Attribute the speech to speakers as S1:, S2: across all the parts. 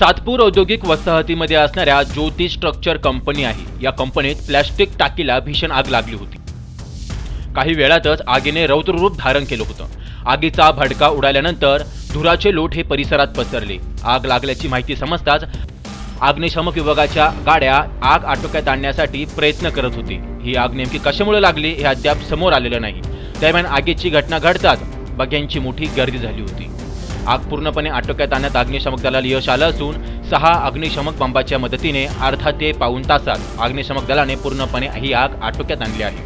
S1: सातपूर औद्योगिक वसाहतीमध्ये असणाऱ्या ज्योती स्ट्रक्चर कंपनी आहे। या कंपनीत प्लॅस्टिक टाकीला भीषण आग लागली होती। काही वेळातच आगीने रौद्ररूप धारण केलं होतं। आगीचा भडका उडाल्यानंतर धुराचे लोट हे परिसरात पसरले। आग लागल्याची माहिती समजताच अग्निशमक विभागाच्या गाड्या आग आटोक्यात आणण्यासाठी प्रयत्न करत होते। ही आग नेमकी कशामुळे लागली हे अद्याप समोर आलेलं नाही। दरम्यान आगीची घटना घडताच बघ्यांची मोठी गर्दी झाली होती। आग पूर्णपणे आटोक्यात आणण्यात अग्निशमक दलाला यश आलं असून 6 अग्निशमक बंबाच्या मदतीने अर्धा ते पाऊण तासात अग्निशमक दलाने पूर्णपणे ही आग आटोक्यात आणली आहे।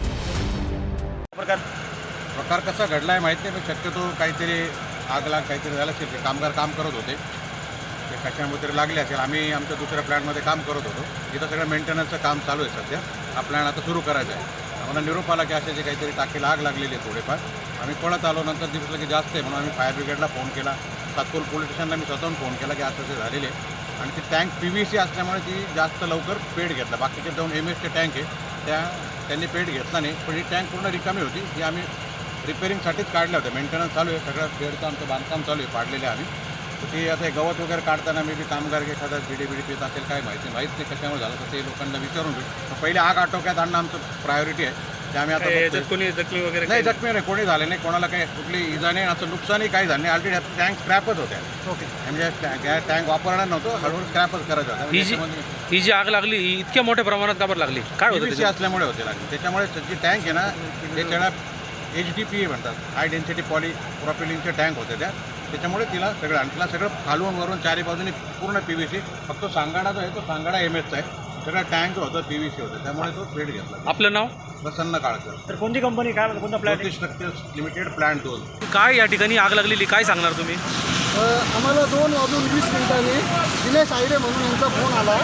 S2: प्रकार कसा घडलाय माहित नाही, पण शक्यतो काहीतरी आग काहीतरी झालं असेल। ते कामगार काम करत होते, ते कशामुळे तरी लागले असेल। आम्ही आमच्या दुसऱ्या प्लॅनमध्ये काम करत होतो, इथं सगळं मेंटेनन्सचं काम चालू आहे सध्या। हा प्लॅन आता सुरू करायचा आहे। आम्हाला निरोप आला की अशाची काहीतरी टाकीला आग लागलेली आहे थोडेफार। आम्ही पळत आलो, नंतर दिसलं की जास्त आहे म्हणून आम्ही फायर ब्रिगेडला फोन केला। सातपूर पोलीस स्टेशनला मी स्वतःहून फोन केला की असं ते झालेले आणि ती टँक PVC असल्यामुळे ती जास्त लवकर पेट घेतला। बाकीचे 2 MS टँक आहे त्यांनी पेट घेतला नाही, पण ही टँक पूर्ण रिकामी होती। ही आम्ही रिपेअरिंगसाठीच काढल्या होत्या। मेंटेनन्स चालू आहे, सगळं बेडचं आमचं बांधकाम चालू आहे, पाडलेले आम्ही। तर ते आता गवत वगैरे काढताना मी कामगार एखादा बिडी पित असेल काय माहिती नाही कशामुळे झालं, तर ते लोकांना विचारून घेऊ। पहिले आग आटोक्यात आणणं आमचं प्रायोरिटी आहे। ते आम्ही आता
S3: कोणी जखमी वगैरे
S2: नाही, जखमी नाही, कोणी झाले नाही, कोणाला काही कुठली इजा नाही, असं नुकसानही काही झालं नाही। ऑलरेडी टँक स्क्रॅपच होत्या।
S3: ओके,
S2: म्हणजे टँक वापरणार नव्हतं, हळूहळू स्क्रॅपच करायचं होतं।
S3: ही जी आग लागली ही इतक्या मोठ्या प्रमाणात का बरं लागली? काय होतं
S2: PVC असल्यामुळे होते लागली। त्याच्यामुळे जी टँक आहे ना, ते त्याला HDPE म्हणतात, हाय डेन्सिटी पॉलीप्रॉपिलिनचे टँक होते त्याच्यामुळे तिला सगळं खालून वरून चारी बाजूने पूर्ण PVC। फक्त सांगाडा जो आहे तो सांगाडा MS चा आहे, सगळं टँक होतं PVC होतं, त्यामुळे तो पेट घेतला।
S3: आपलं नाव?
S2: प्रसन्न काळकर।
S4: तर कोणती कंपनी, काय कोणता plan?
S2: Jyoti Structures Limited, plan 2।
S3: काय या ठिकाणी आग लागलेली काय सांगणार तुम्ही?
S4: आम्हाला 2:20 दिनेश आयरे म्हणून यांचा फोन आला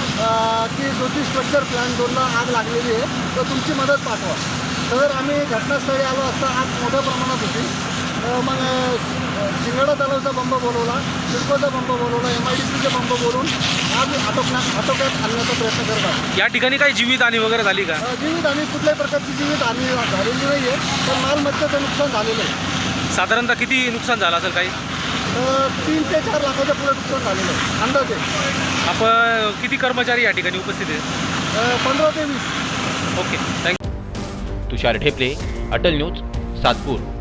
S4: की ज्योती स्ट्रक्चर प्लॅन 2ला आग लागलेली आहे, तर तुमची मदत पाठवा। तर आम्ही घटनास्थळी आलो असता आग मोठ्या प्रमाणात होती। मग शिंगाडा तलावचा बंब बोलवला, सिडकोचा बंब बोलवला, MIDCचा बंब बोलून आग आटोक्यात आणण्याचा प्रयत्न करतात।
S3: या ठिकाणी काही जीवितहानी वगैरे झाली का?
S4: जीवितहानी कुठल्याही प्रकारची जीवितहानी झालेली नाही आहे, पण मालमत्तेचं नुकसान झालेलं आहे।
S3: साधारणतः किती नुकसान झालं असेल? काही
S4: 3 ते 4 लाखाच्या पुढे नुकसान झालेलं आहे अंदाजे।
S3: आपण किती कर्मचारी या ठिकाणी उपस्थित आहेत?
S4: 15 ते 20।
S3: Okay, thank you.
S1: Tushar Dhepale, Atal news, Satpur.